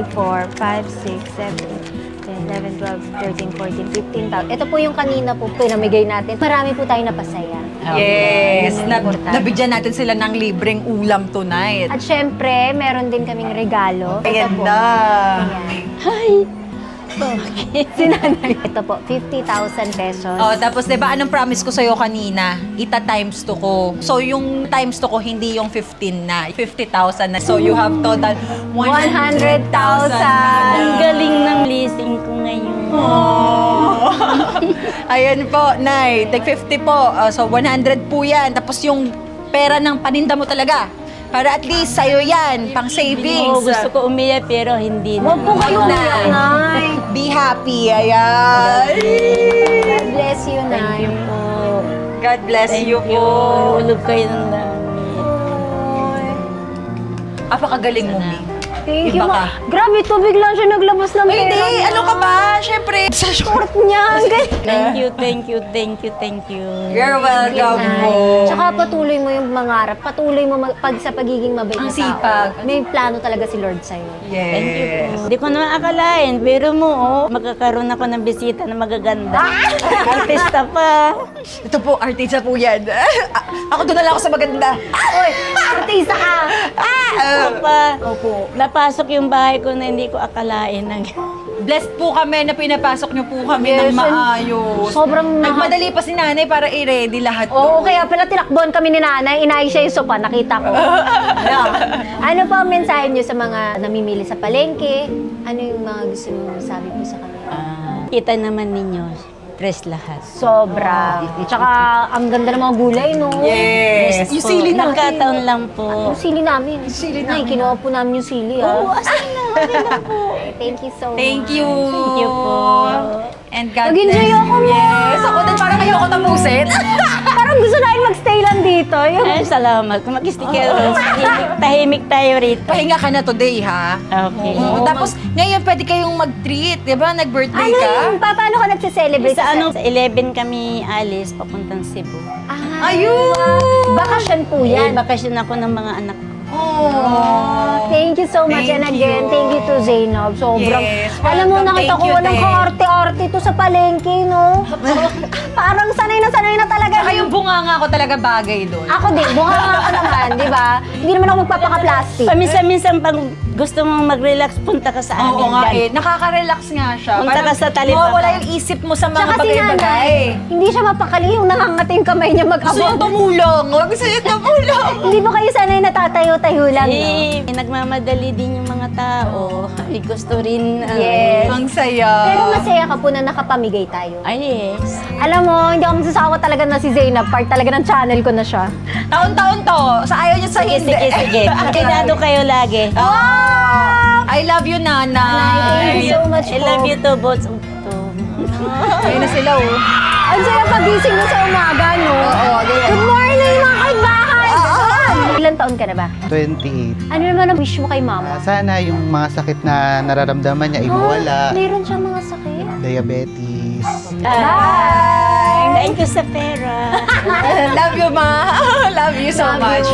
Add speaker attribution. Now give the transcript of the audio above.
Speaker 1: 4, 5, 6, 7, 10, 11, 12, 13, 14, 15,000. Ito po yung kanina po pinamigay natin. Marami po tayo napasaya.
Speaker 2: Yes,
Speaker 1: Yan ang importante.
Speaker 2: nabigyan natin sila ng libreng ulam tonight.
Speaker 1: At syempre, meron din kaming regalo. Ito po.
Speaker 2: Ganda.
Speaker 1: Ayan.
Speaker 3: Hi!
Speaker 1: Si nanay. Ito po, 50,000 pesos.
Speaker 2: Oh, tapos 'di ba anong promise ko sa kanina? Ita times 2 ko. So yung times 2 ko hindi yung 15 na, 50,000 na. So you have total 100,000.
Speaker 1: 100,000.
Speaker 3: Ang galing ng leasing ko ngayon.
Speaker 2: Oh. Ayan po, Nay. Take 50 po. So 100 po 'yan. Tapos yung pera ng paninda mo talaga. Para at least sa'yo yan, pang savings.
Speaker 3: Oo, gusto ko umiyak pero hindi na.
Speaker 1: Huwag po kayong umiyak, Nay.
Speaker 2: Be happy, ayan.
Speaker 1: God bless you,
Speaker 3: Thank
Speaker 1: Nay.
Speaker 3: you po.
Speaker 2: God bless
Speaker 3: Thank
Speaker 2: you
Speaker 3: you.
Speaker 2: po.
Speaker 3: Ulog kayo ng dami.
Speaker 2: Apakagaling mo, Mi.
Speaker 1: Thank you,
Speaker 2: Iba
Speaker 1: ma.
Speaker 2: ka.
Speaker 1: Grabe to, biglang siya naglabas ng pera.
Speaker 2: Hindi,
Speaker 1: niya.
Speaker 2: ano ka ba? Siyempre, sa short.
Speaker 1: Niya, ang galing.
Speaker 3: Thank you, thank you, thank you, thank you.
Speaker 2: You're welcome
Speaker 1: Nay.
Speaker 2: po.
Speaker 1: Tsaka patuloy mo yung mangarap. Patuloy mo pag sa pagiging mabait
Speaker 2: Ang
Speaker 1: na tao.
Speaker 2: sipag.
Speaker 1: May plano talaga si Lord sa'yo.
Speaker 2: Yes.
Speaker 3: Thank you po. Hindi ko naman akalain, pero mo, magkakaroon ako ng bisita na magaganda. Artista pa.
Speaker 2: Ito po, artista po yan. Ako doon na lang ako sa maganda.
Speaker 1: Uy, artista ka!
Speaker 3: Artista pa. Opo. Napasok yung bahay ko na hindi ko akalain.
Speaker 2: Blessed po kami na pinapasok niyo po kami
Speaker 1: Yes,
Speaker 2: ng maayos.
Speaker 1: sobrang
Speaker 2: Nagmadali pa si nanay para i-ready lahat.
Speaker 1: Oo, kaya pala tinakbuhan kami ni nanay. Inaay siya yung sopa, nakita ko. Ano po ang mensahe niyo sa mga namimili sa palengke? Ano yung mga gusto niyo masabi po sa kanila?
Speaker 3: Kita naman ninyo, fresh lahat.
Speaker 1: Sobra. Tsaka, ang ganda ng mga gulay, no?
Speaker 2: Yes. Yung sili natin.
Speaker 3: Nagkataon lang po.
Speaker 1: Yung sili namin.
Speaker 2: Sili
Speaker 1: Nay,
Speaker 2: namin.
Speaker 1: kinuha po namin yung sili,
Speaker 3: Oo,
Speaker 1: ah.
Speaker 3: asan na? Okay lang po.
Speaker 1: Thank you so
Speaker 2: Thank
Speaker 1: much.
Speaker 2: you.
Speaker 3: Thank you po.
Speaker 2: And God
Speaker 1: Nag-enjoy
Speaker 2: bless.
Speaker 1: ako, Ma.
Speaker 2: Yes. Ako din parang ayoko tapusin.
Speaker 1: Parang gusto namin magstay lang dito. Yung...
Speaker 3: Ay, salamat. Kung mag-sticker, tahimik tayo rito.
Speaker 2: Pahinga ka na today, ha?
Speaker 3: Okay.
Speaker 2: Tapos, ngayon pwede kayong mag-treat, di ba? Nag-birthday
Speaker 1: Ano
Speaker 2: ka.
Speaker 1: yun? Paano ka nagsiselebrate?
Speaker 3: Sa ano, sa 11 kami alis, papuntang Cebu.
Speaker 1: Ah,
Speaker 2: Ayun!
Speaker 1: bakasyon po
Speaker 3: Yan,
Speaker 1: yan.
Speaker 3: bakasyon ako ng mga anak ko.
Speaker 2: Oh.
Speaker 1: Thank you so much.
Speaker 2: Thank
Speaker 1: And again,
Speaker 2: you.
Speaker 1: thank you to Zainab. Sobrang,
Speaker 2: Yes,
Speaker 1: alam mo,
Speaker 2: welcome.
Speaker 1: nakita
Speaker 2: Thank
Speaker 1: ko
Speaker 2: you,
Speaker 1: walang
Speaker 2: Te.
Speaker 1: kaarte-arte to sa palengke, no? Parang sanay na talaga.
Speaker 2: Saka yung bunganga ko talaga bagay doon.
Speaker 1: Ako din, bunga ako naman, di ba? Hindi naman ako magpapaka-plastic.
Speaker 3: Paminsan-minsan pag gusto mong mag-relax, punta ka sa amin.
Speaker 2: Oo nga
Speaker 3: dyan.
Speaker 2: eh. Nakaka-relax nga siya.
Speaker 3: Punta ka sa Talibaba.
Speaker 2: Wala yung isip mo sa mga
Speaker 1: Tsaka si nanay,
Speaker 2: bagay-bagay.
Speaker 1: hindi siya mapakali yung nangangati yung kamay niya
Speaker 2: Gusto niya
Speaker 1: mag-abot.
Speaker 2: tumulong. Gusto niya tumulong.
Speaker 1: Hindi ba kayo sanay natatayo-tayo lang, no?
Speaker 3: Eh, nagmamadali din yung mga tao. Ay, gusto rin.
Speaker 1: Yes.
Speaker 2: Ang saya.
Speaker 1: Pero masaya ka po na nakapamigay tayo.
Speaker 3: Ay, yes.
Speaker 1: Alam mo, hindi ako magsasawa talaga na si Zainab. Part talaga ng channel ko na siya.
Speaker 2: Taon-taon to. Sa ayaw niya sa
Speaker 3: Sige,
Speaker 2: hindi.
Speaker 3: sige, sige. Kinado kayo lagi.
Speaker 2: Oh, I love you, Nanay.
Speaker 1: Thank you so much
Speaker 3: I
Speaker 1: po.
Speaker 3: love you too, both.
Speaker 2: Ayun na sila, oh.
Speaker 1: Ang saya pagising mo sa umaga, no?
Speaker 2: Oo, ganyan.
Speaker 1: Good morning, mga kaitbahay! Ilan taon ka na ba?
Speaker 4: 28.
Speaker 1: Ano naman ang wish mo kay mama?
Speaker 4: Sana yung mga sakit na nararamdaman niya ay mawala.
Speaker 1: Meron siyang mga sakit.
Speaker 4: Diabetes.
Speaker 3: Bye! Thank you sa pera.
Speaker 2: Love you, Ma. Love you so much.